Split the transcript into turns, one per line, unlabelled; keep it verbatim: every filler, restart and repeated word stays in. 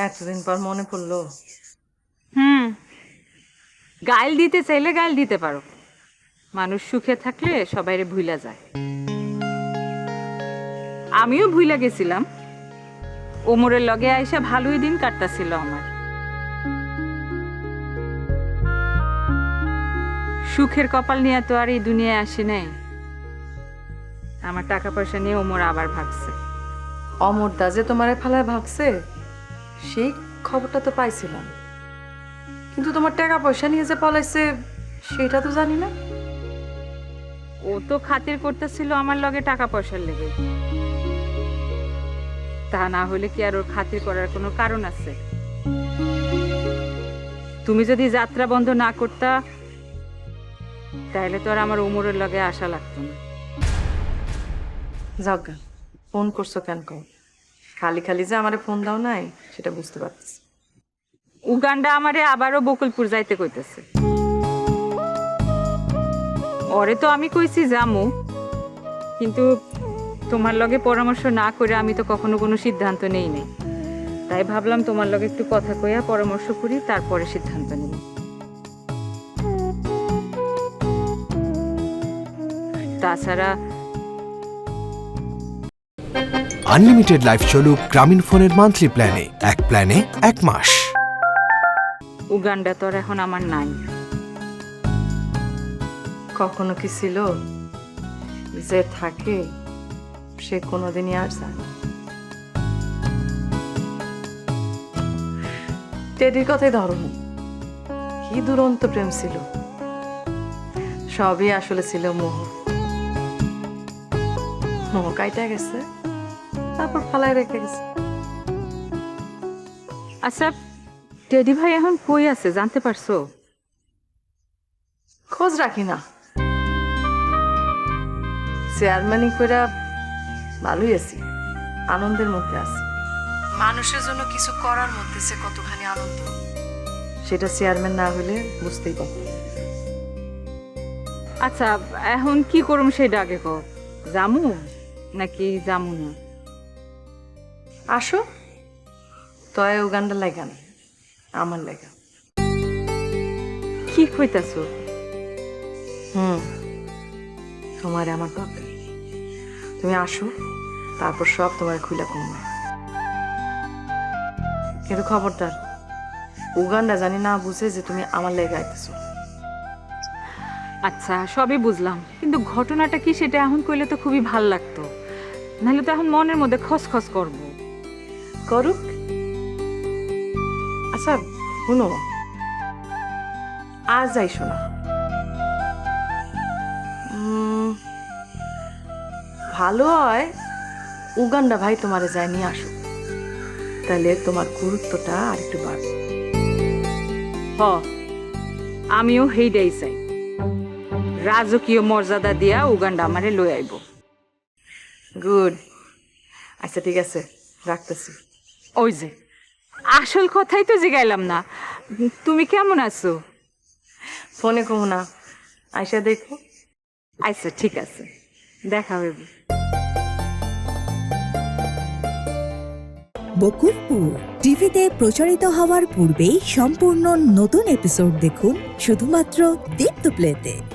এতদিন পর মনে পড়লো।
হুম, গাইল দিতে চাইলে গাইল দিতে পারো। মানুষ সুখে থাকলে সবাইরে ভুইলা যায়। আমিও ভুইলা গেছিলাম। ওমরের লগে আইসা ভালোই দিন কাটতাছিল আমার। সুখের কপাল নিয়ে তো আর এই দুনিয়ায় আসি নাই। আমার টাকা পয়সা নিয়ে ওমর আবার ভাগছে।
অমর দা যে তোমারে ফালায় ভাগছে সেই খবরটা তো পাইছিলাম, কিন্তু তোমার টাকা পয়সা নিয়ে যে পলাইছে সেটা তো জানি না।
ও তো খাতির করতেছিল আমার লগে টাকা পয়সার লেগে। তা না হলে কি আর ওর খাতির করার কোনো কারণ আছে? তুমি যদি যাত্রা বন্ধ না করতা তাহলে তো আর আমার ওমরের লগে আশা লাগতো না।
যাজ্ঞা, ফোন করছো কেন কও? খালি খালি যে আমারে ফোন দাও নাই সেটা বুঝতে পারছি।
উগান্ডা আমারে আবারও বকুলপুর যাইতে কইতেছে। ওরে তো আমি কইছি যামু, কিন্তু তোমার লগে পরামর্শ না করে আমি তো কখনো কোনো সিদ্ধান্ত নেই নাই। তাই ভাবলাম তোমার লগে একটু কথা কইয়া পরামর্শ করি, তারপরে সিদ্ধান্ত নেব। তাছাড়া
আনলিমিটেড লাইফ চলুক গ্রামীণ ফোনের মান্থলি প্ল্যানে, এক প্ল্যানে এক মাস।
উগান্ডা তো আর এখন আমার নাই।
কখনো কি ছিল যে থাকে সে কোনোদিনই আর যায় না। টেডির কথাই ধরো, কি দুরন্ত প্রেম ছিল। সবই আসলে ছিল মোহ। মোহ কাইটা গেছে, তারপর ফালাই রেখে গেছে।
আচ্ছা, টেডি ভাই এখন কই আছে জানতে পারছো?
খোঁজ রাখি না। চেয়ারম্যানই কইরা ভালোই আছি, আনন্দের মধ্যে আছি। মানুষের জন্য কিছু করার মধ্যে সে কতখানি আনন্দ সেটা চেয়ারম্যান না হলে বুঝতেই পারত।
আচ্ছা, এখন কি করুম সেটা আগে কও। জামু নাকি জামু না?
আসো, তয় উগান্ডা লাগা না, আমার লাগা।
কি কইতাছো?
হুম, তোমার আমার দরকার। তুমি আসো, তারপর সব তোমার খুলে কমবে। কিন্তু খবরদার উগান্ডা জানি না বুঝে যে তুমি আমার লেগে আইতেছো।
আচ্ছা, সবই বুঝলাম, কিন্তু ঘটনাটা কি সেটা এখন কইলে তো খুবই ভাল লাগতো। নাহলে তো এখন মনের মধ্যে খসখস করবো।
করুক। আচ্ছা শুনো, আজ যাইসো না। উম, ভালো হয় উগান্ডা ভাই তোমারে যায় নিয়ে আসো, তাহলে তোমার গুরুত্বটা আর একটু বাড়বে।
হ, আমিও হেইডাই চাই। রাজকীয় মর্যাদা দিয়া উগান্ডা আমারে লই আইব।
গুড। আচ্ছা ঠিক আছে, রাখতেছি।
ওই যে আসল কথাই তো জিগাইলাম না, তুমি কেমন আছো?
ফোনে কমো না, আইসা দেখো।
আচ্ছা ঠিক আছে, দেখা হইব।
বকুলপুর টিভিতে প্রচারিত হওয়ার পূর্বেই সম্পূর্ণ নতুন এপিসোড দেখুন শুধুমাত্র দীপ্ত প্লেতে।